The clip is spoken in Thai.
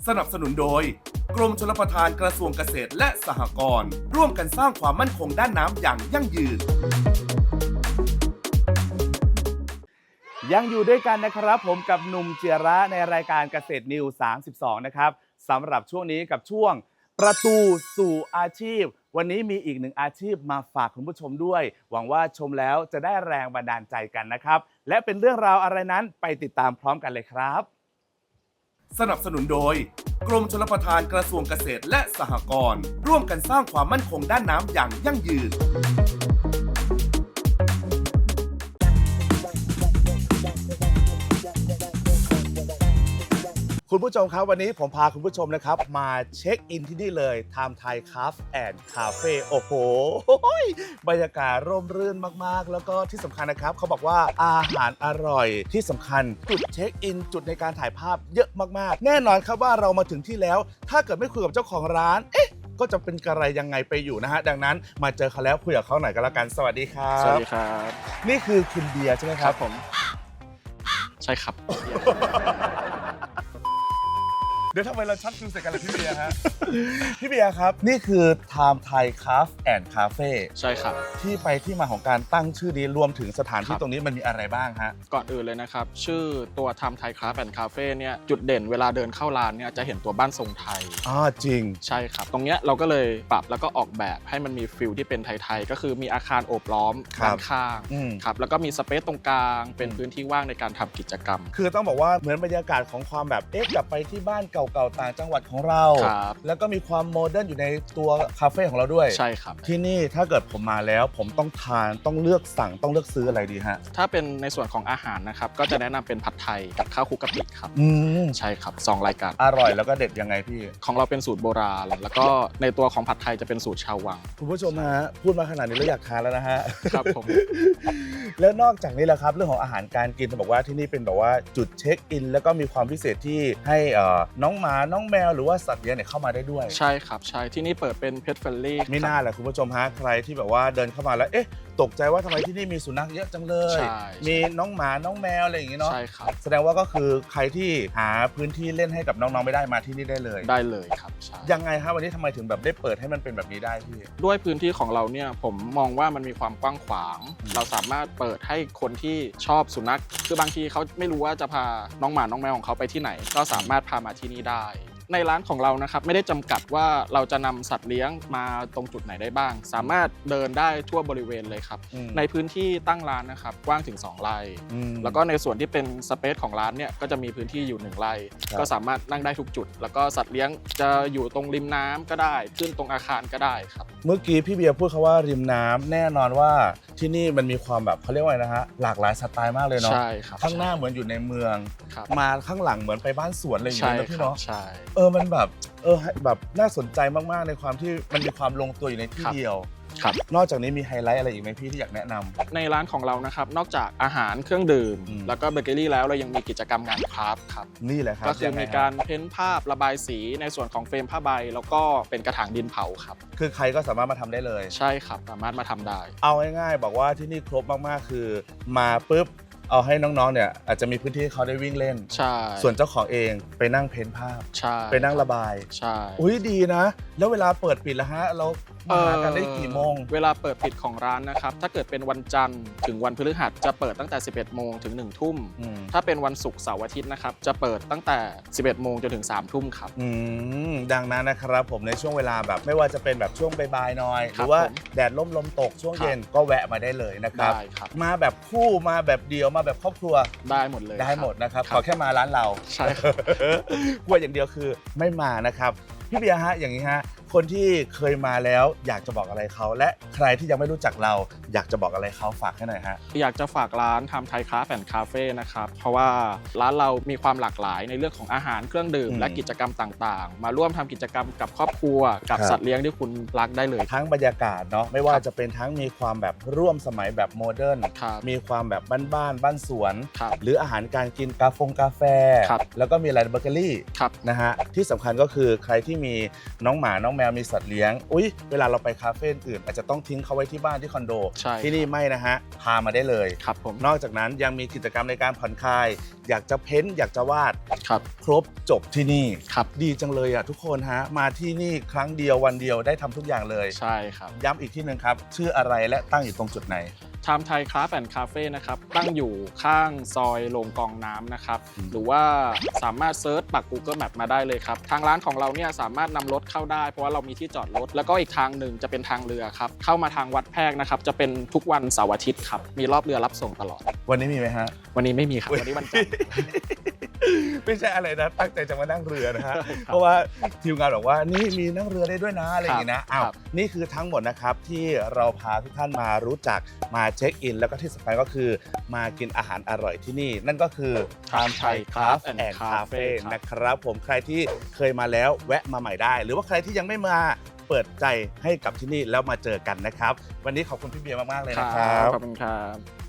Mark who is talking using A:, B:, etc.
A: สนับสนุนโดยกรมชลประทานกระทรวงเกษตรและสหกรณ์ร่วมกันสร้างความมั่นคงด้านน้ำอย่างยั่งยืน
B: ยังอยู่ด้วยกันนะครับผมกับหนุ่มเจียระในรายการเกษตรนิว32นะครับสำหรับช่วงนี้กับช่วงประตูสู่อาชีพวันนี้มีอีกหนึ่งอาชีพมาฝากคุณผู้ชมด้วยหวังว่าชมแล้วจะได้แรงบันดาลใจกันนะครับและเป็นเรื่องราวอะไรนั้นไปติดตามพร้อมกันเลยครับ
A: สนับสนุนโดยกรมชลประทานกระทรวงเกษตรและสหกรณ์ร่วมกันสร้างความมั่นคงด้านน้ำอย่างยั่งยืน
B: คุณผู้ชมครับวันนี้ผมพาคุณผู้ชมนะครับมาเช็คอินที่นี่เลย Time Thai Cafe and Cafe โอ้โหบรรยากาศร่มรื่นมากๆแล้วก็ที่สำคัญนะครับเขาบอกว่าอาหารอร่อยที่สำคัญจุดเช็คอินจุดในการถ่ายภาพเยอะมากๆแน่นอนครับว่าเรามาถึงที่แล้วถ้าเกิดไม่คุยกับเจ้าของร้านก็จะเป็นกระไรยังไงไปอยู่นะฮะดังนั้นมาเจอเขาแล้วคุยกับเขาหน่อยกันแล้วกันสวัสดีครับ
C: สวัสดีครับ
B: นี่คือคุณเบียร์ใช่ไหมครับ
C: ผมใช่ครับ
B: เดี๋ยวทำไมเราชักจูงใส่กันเลยพี่เบียร์ฮะ พี่เบียร์ครับนี่คือ Time Thai Cafe and Cafe
C: ใช่ครับ
B: ที่ไปที่มาของการตั้งชื่อนี้รวมถึงสถานที่
C: ครับ
B: ตรงนี้มันมีอะไรบ้างฮะ
C: ก่อนอื่นเลยนะครับ ชื่อตัว Time Thai Craft and Cafe เนี่ยจุดเด่นเวลาเดินเข้าร้านเนี่ยจะเห็นตัวบ้านทรงไทย
B: จริง
C: ใช่ครับ ตรงเนี้ยเราก็เลยปรับแล้วก็ออกแบบให้มันมีฟิลที่เป็นไทยๆก็คือมีอาคารโอบล้อมด้านข้างครับแล้วก็มีสเปซตรงกลางเป็นพื้นที่ว่างในการทำกิจกรรม
B: คือต้องบอกว่าเหมือนบรรยากาศของความแบบกลับไปที่บ้านเก่าๆต่างจังหวัดของเราแล้วก็มีความโมเดิร์นอยู่ในตัวคาเฟ่ของเราด้วย
C: ใช่ครับ
B: ที่นี่ถ้าเกิดผมมาแล้วผมต้องทานต้องเลือกสั่งต้องเลือกซื้ออะไรดีฮะ
C: ถ้าเป็นในส่วนของอาหารนะครับก็จะแนะนำเป็นผัดไทยกับข้าวคลุกกะปิครับใช่ครับ2รายการ
B: อร่อยแล้วก็เด็ดยังไงพี่
C: ของเราเป็นสูตรโบราณแล้วก็ในตัวของผัดไทยจะเป็นสูตรชาววัง
B: คุณผู้ชมฮะพูดมาขนาดนี้แล้วอยากทานแล้วนะฮะ
C: ครับผม
B: แล้วนอกจากนี้แหละครับเรื่องของอาหารการกินจะบอกว่าที่นี่เป็นแบบว่าจุดเช็คอินแล้วก็มีความพิเศษที่ให้น้องหมาน้องแมวหรือว่าสัตว์เลี้ยงเนี่ยเข้ามาได้ด้วย
C: ใช่ครับใช่ที่นี่เปิดเป็น Pet Friendly
B: ไม่น่าแหละคุณผู้ชมฮะใครที่แบบว่าเดินเข้ามาแล้วตกใจว่าทำไมที่นี่มีสุนัขเยอะจังเลยมีน้องหมาน้องแมวอะไรอย่างงี้เนาะ
C: ใช่ครับ
B: แสดงว่าก็คือใครที่หาพื้นที่เล่นให้กับน้องๆไม่ได้มาที่นี่ได้เลย
C: ครับใช่
B: ยังไงฮะวันนี้ทำไมถึงแบบได้เปิดให้มันเป็นแบบนี้ได้พี่
C: ด้วยพื้นที่ของเราเนี่ยผมมองว่ามันมีความกว้างขวางเราสามารถเปิดให้คนที่ชอบสุนัขคือบางทีเขาไม่รู้ว่าจะพาน้องหมาน้องแมวของเขาไปที่ไหนก็สามารถพามาที่นี่ได้ในร้านของเรานะครับไม่ได้จำกัดว่าเราจะนำสัตว์เลี้ยงมาตรงจุดไหนได้บ้างสามารถเดินได้ทั่วบริเวณเลยครับในพื้นที่ตั้งร้านนะครับกว้างถึง2 ไร่แล้วก็ในส่วนที่เป็นสเปซของร้านเนี่ยก็จะมีพื้นที่อยู่1 ไร่ก็สามารถนั่งได้ทุกจุดแล้วก็สัตว์เลี้ยงจะอยู่ตรงริมน้ำก็ได้ขึ้นตรงอาคารก็ได้ครับ
B: เมื่อกี้พี่เบียร์พูดคำว่าริมน้ำแน่นอนว่าที่นี่มันมีความแบบเขาเรียกว่าอะไรนะฮะหลากหลายสไตล์มากเลยเนาะ
C: ใช่ครับ
B: ข้างหน้าเหมือนอยู่ในเมืองมาข้างหลังเหมือนไปบ้านสวนอะไรอย่างเงี้ยนะพี่เนาะ
C: ใช่
B: มันแบบแบบน่าสนใจมากๆในความที่มันมีความลงตัวอยู่ในที่เดียวนอกจากนี้มีไฮไลท์อะไรอีกไหมพี่ที่อยากแนะนำ
C: ในร้านของเรานะครับนอกจากอาหารเครื่องดื่มแล้วก็เบเกอรี่แล้วเรายังมีกิจกรรมงานคราฟต์ครับ
B: นี่แหละครับ
C: ก็คือมีการเพ้นท์ภาพระบายสีในส่วนของเฟรมผ้าใบแล้วก็เป็นกระถางดินเผาครับ
B: คือใครก็สามารถมาทำได้เลย
C: ใช่ครับสามารถมาทำได้
B: เอาง่ายๆบอกว่าที่นี่ครบมากๆคือมาปุ๊บเอาให้น้องๆเนี่ยอาจจะมีพื้นที่ให้เขาได้วิ่งเล่น
C: ใช่
B: ส่วนเจ้าของเองไปนั่งเพ้นท์ภาพ
C: ใช่
B: ไปนั่งระบาย
C: ใช่
B: ดีนะแล้วเวลาเปิดปิดแล้วฮะเรามากันได้กี่โมง
C: เวลาเปิดปิดของร้านนะครับถ้าเกิดเป็นวันจันทร์ถึงวันพฤหัสจะเปิดตั้งแต่11 โมงถึง1 ทุ่มถ้าเป็นวันศุกร์เสาร์อาทิตย์นะครับจะเปิดตั้งแต่11 โมงจนถึง3 ทุ่มครับ
B: ดังนั้นนะครับผมในช่วงเวลาแบบไม่ว่าจะเป็นแบบช่วงบ่ายๆหน่อยหรือว่าแดดร่มลมตกช่วงเย็นก็แวะมาได้เลยนะครับมาแบบคู่มาแบบเดียวมาแบบครอบครัว
C: ได้หมดเลย
B: ได้หมดนะครับขอแค่มาร้านเรา
C: ใช่
B: กลัวอย่างเดียวคือไม่มานะครับพี่เบียร์ฮะอย่างนี้ฮะคนที่เคยมาแล้วอยากจะบอกอะไรเขาและใครที่ยังไม่รู้จักเราอยากจะบอกอะไรเขาฝากให้หน่อยฮะ
C: อยากจะฝากร้านTime Thai Craft and Cafeนะครับเพราะว่าร้านเรามีความหลากหลายในเรื่องของอาหารเครื่องดื่มและกิจกรรมต่างๆมาร่วมทำกิจกรรมกับครอบครัวกับสัตว์เลี้ยงที่คุณรักได้เลย
B: ทั้งบรรยากาศเนาะไม่ว่าจะเป็นทั้งมีความแบบร่วมสมัยแบบโมเดิร์นมีความแบบบ้านๆบ้านสวนหรืออาหารการกินกาแฟแล้วก็มีอะไรเบเกอรี่นะฮะที่สำคัญก็คือใครที่มีน้องหมาน้องแมววมีสัตว์เลี้ยงอุ๊ยเวลาเราไปคาเฟ่อื่นอาจจะต้องทิ้งเขาไว้ที่บ้านที่คอนโด
C: ใช่
B: ที่นี่ไม่นะฮะพามาได้เลย
C: ครับผม
B: นอกจากนั้นยังมีกิจกรรมในการผ่อนคลายอยากจะเพ้นท์อยากจะวาด
C: ครับ
B: ครบจบที่นี่
C: ครับ
B: ดีจังเลยอ่ะทุกคนฮะมาที่นี่ครั้งเดียววันเดียวได้ทำทุกอย่างเลย
C: ใช่ครับ
B: ย้ำอีกที่หนึ่งครับ ชื่ออะไรและตั้งอยู่ตรงจุดไหน
C: ไทม์ไทยคราฟต์แอนด์คาเฟ่นะครับตั้งอยู่ข้างซอยโรงกองน้ำนะครับ
B: อืม
C: หรือว่าสามารถเซิร์ชปัก Google Map มาได้เลยครับ ทางร้านของเราเนี่ยสามารถนำรถเข้าได้เพราะว่าเรามีที่จอดรถ แล้วก็อีกทางหนึ่งจะเป็นทางเรือครับ เข้ามาทางวัดแพรกนะครับ จะเป็นทุกวันเสาร์อาทิตย์ครับ มีรอบเรือรับส่งตลอด
B: วันนี้มีไหมฮะ
C: วันนี้ไม่มีครับ วันนี้วันจันทร์
B: ไม่ใช่อะไรนะตั้งใจจะมานั่งเรือนะฮะ เพราะว่าทีมงานบอกว่านี่มีนั่งเรือได้ด้วยนะอะไรอย่างงี้นะอ้าว
C: ครับ
B: นี่คือทั้งหมดนะครับที่เราพาทุกท่านมารู้จักมาเช็คอิน แล้วก็ที่สำคัญก็คือมากินอาหารอร่อยที่นี่ นั่นก็คือ Time Thai Craft and Cafe นะครับผมใครที่เคยมาแล้วแวะมาใหม่ได้ หรือว่าใครที่ยังไม่มาเปิดใจให้กับที่นี่แล้วมาเจอกันนะครับ วันนี้ขอบคุณพี่เบียร์มากๆเลยนะครับ
C: ขอบคุณครับ